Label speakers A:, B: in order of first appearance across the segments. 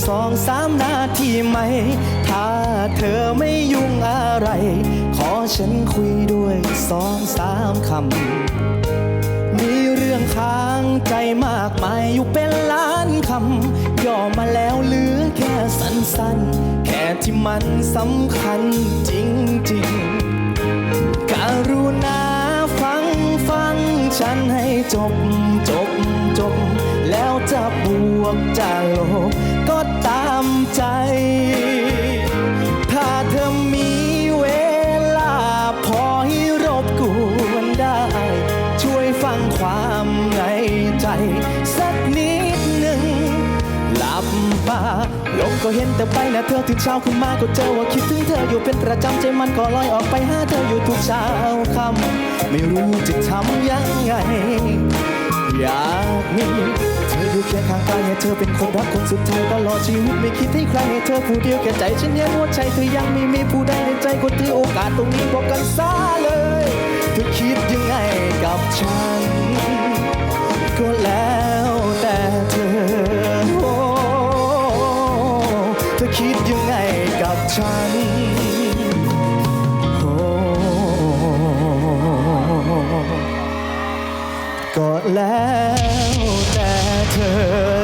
A: 2-3 นาทีไหมถ้าเธอไม่ยุ่งอะไรขอฉันคุยด้วย2-3 คำมีเรื่องค้างใจมากมายอยู่เป็นล้านคำย่อมาแล้วเหลือแค่สั้นๆแค่ที่มันสำคัญจริงๆกรุณาฟังฉันให้จบแล้วจะบวกจะลบก็ตามใจถ้าเธอมีเวลาพอให้รบกวนได้ช่วยฟังความในใจสักนิดหนึ่งหลับตาลงก็เห็นแต่ใบหน้าเธอถึงเช้าขึ้นมาก็เจอว่าคิดถึงเธออยู่เป็นประจำใจมันก็ลอยออกไปหาเธออยู่ทุกเช้าค่ำไม่รู้จะทำยังไงอยากมีเธออยู่เคียงข้างกายให้เธอเป็นคนรักคนสุดท้ายตลอดชีวิตไม่คิดให้ใครให้เธอผู้เดียวแก่ใจฉันยังหัวใจเธอยังไม่มีผู้ใดในใจก็ถือโอกาสตรงนี้บอกกันซะเลยเธอคิดยังไงกับฉันก็แล้วแต่เธอเธอคิดยังไงกับฉันก็แล้วแต่เธอ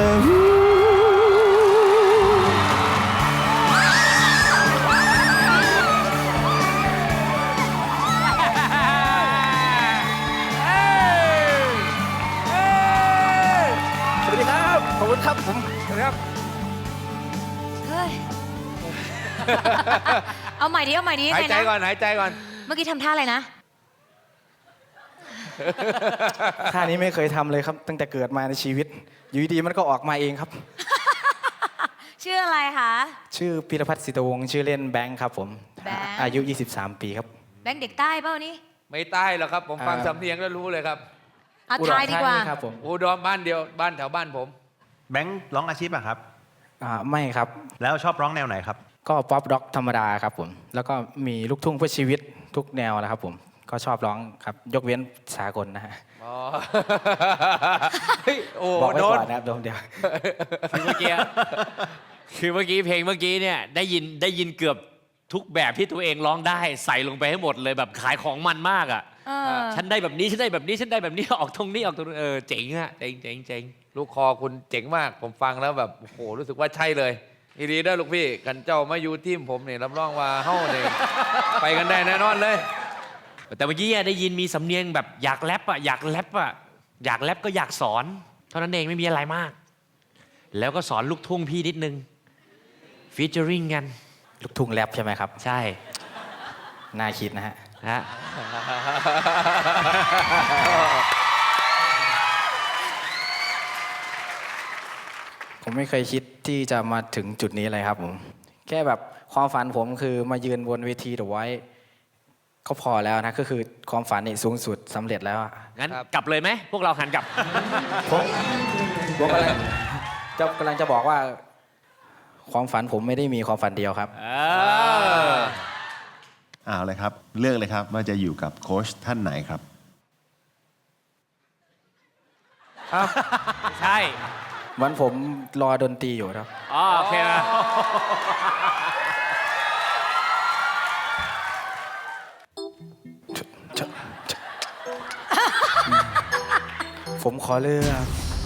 B: สวัสดีครับ ขอบคุณครับผมสวัสดีครับ
C: เฮ้ย เอาใหม่ดิ
B: หายใจก่อน หายใจก่อน
C: เมื่อกี้ทำท่าอะไรนะ
A: ท่านี้ไม่เคยทำเลยครับตั้งแต่เกิดมาในชีวิตอยู่ดีมันก็ออกมาเองครับ
C: ชื่ออะไรคะ
A: ชื่อพิรพัฒน์ศิตวงศ์ชื่อเล่นแบงค์ครับผม
C: แบงค์
A: อายุ23 ปีครับ
C: แบงค์เด็กใต้เปล่านี่
B: ไม่ใต้หรอกครับ ผมฟังสำเนียงแล้วรู้เลยครับ
C: เอาทายดีกว่า
A: อุรธนีครับผม
B: อุดรบ้านเดียวบ้านแถวบ้านผม
D: แบงค์ร้องอาชีพอะครับ
A: ไม่ครับ
D: แล้วชอบร้องแนวไหนครับ
A: ก็ป๊อปร็อกธรรมดาครับผมแล้วก็มีลูกทุ่งเพื่อชีวิตทุกแนวนะครับผมก็ชอบร้องครับยกเว้นสากลนะฮะ
B: อ๋อ เฮ้ยโอ้
A: บอกไว้
B: โด
A: ก่
B: น
A: อนนะครับเดี๋ยว
E: คือเมื่อกี้เพลงเมื่อกี้เนี่ยได้ยินเกือบทุกแบบที่ตัวเองร้องได้ใส่ลงไปให้หมดเลยแบบขายของมันมากอ่ะ
C: เออ
E: ฉันได้แบบนี้ฉันได้แบบนี้ฉันได้แบบนี้ออกตรงนี้ออกตรงนี้เจ๋งอะเจ๋ง
B: ลูกคอคุณเจ๋งมาก ผมฟังแล้วแบบโอ้โหรู้สึกว่าใช่เลยอีรีได้อลูกพี่กันเจ้ามาอยู่ทีมผมเนี่ยรับรองว่าเฮ้าเนี่ยไปกันได้แน่นอนเลย
E: แต่เมื่อกี้ได้ยินมีสำเนียงแบบอยากแรปอะอยากแรปก็อยากสอนเท่านั้นเองไม่มีอะไรมาก แล้วก็สอนลูกทุ่งพี่นิดนึงฟีเจอริงกัน
A: ลูกทุ่งแรปใช่ไหมครับ
E: ใช่
A: น่าคิดนะฮะ
E: ฮะ
A: ผมไม่เคยคิดที่จะมาถึงจุดนี้เลยครับผมแค่แบบความฝันผมคือมายืนบนเวทีเดอะไวท์ก็พอแล้วนะก็คือความฝันนี่สูงสุดสำเร็จแล้วอะ
E: งั้นกลับเลยไหมพวกเราหันกลับ
A: ผมกำลังจะบอกว่าความฝันผมไม่ได้มีความฝันเดียวครับ
F: เอาเลยครับเลือกเลยครับว่าจะอยู่กับโค้ชท่านไหนครับ
E: ใช่
A: เหมือนผมรอดนตรีอยู่ครับ
E: อ๋อโอเคนะ
A: ผมขอเลือก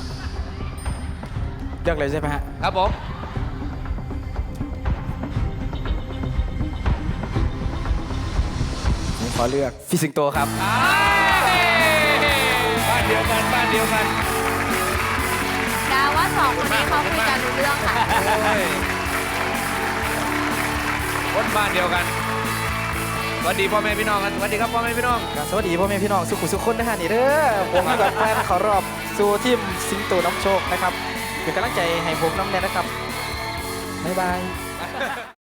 A: เลยใช่ไหมฮะ
B: ครับผม
A: ผมขอเลือกพี่สิงโตครับ
B: บ้านเดียวกันบ้านเดียวกัน
C: ดาว่าสองคนนี้เขาคุยกันรู้เรื่องค่ะ
B: โอ้ยคนบ้านเดียวกันสวัสดีพ่อแม่พี่น้องกันสวัสดีครับพ่อแม่พี่น้อง
A: สวัสดีพ่อแม่พี่น้องสุขุสุขคนนะฮะนี่เด้อผมให้แบบแฟนเขารอบสู่ทีมสิงโตน้ำโชคนะครับเป็นกำลังใจให้ผมน้ำแน่นะครับบ๊ายบาย